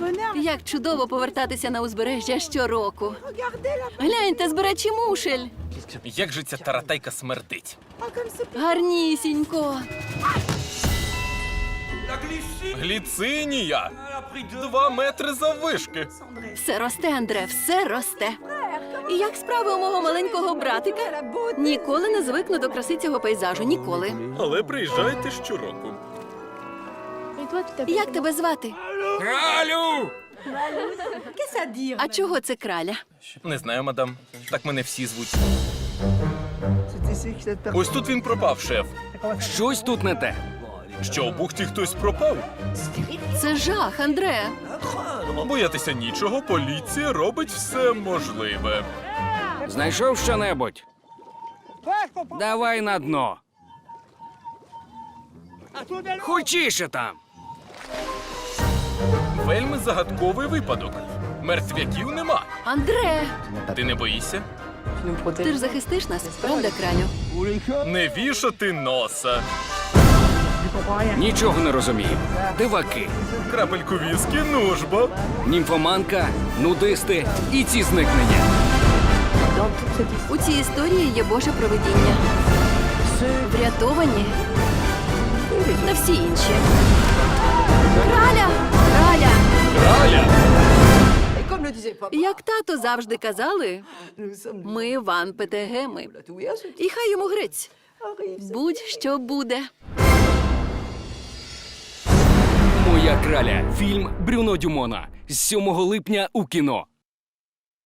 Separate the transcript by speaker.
Speaker 1: Як чудово повертатися на узбережжя щороку. Гляньте, збирачі мушель.
Speaker 2: Як же ця таратайка смердить?
Speaker 1: Гарнісінько.
Speaker 2: Гліцинія! 2 метри заввишки.
Speaker 1: Все росте, Андре, все росте. І як справи у мого маленького братика? Ніколи не звикну до краси цього пейзажу, ніколи.
Speaker 2: Але приїжджайте щороку.
Speaker 1: Як тебе звати?
Speaker 2: Кралю!
Speaker 1: А чого це краля?
Speaker 2: Не знаю, мадам. Так мене всі звуть. Ось тут він пропав, шеф.
Speaker 3: Щось тут не те.
Speaker 2: Що, у бухті хтось пропав?
Speaker 1: Це жах, Андре.
Speaker 2: Боятися нічого, поліція робить все можливе.
Speaker 3: Знайшов що-небудь? Давай на дно. Хочіше там.
Speaker 2: Вельми загадковий випадок. Мертвяків нема.
Speaker 1: Андре,
Speaker 2: Ти не боїшся?
Speaker 1: ти ж захистиш нас, правда, кралю?
Speaker 2: Не вішати носа.
Speaker 3: Нічого не розумію. Диваки,
Speaker 2: Крапельку віскі, нужбо.
Speaker 3: німфоманка, нудисти і ці зникнення.
Speaker 1: У цій історії є Боже провидіння. Врятовані та всі інші. Краля! Краля!
Speaker 2: Краля!
Speaker 1: Як тато завжди казали, ми Ван Петегеми. І хай йому грець. Будь-що буде.
Speaker 3: Моя краля. Фільм Брюно Дюмона. З 7 липня у кіно.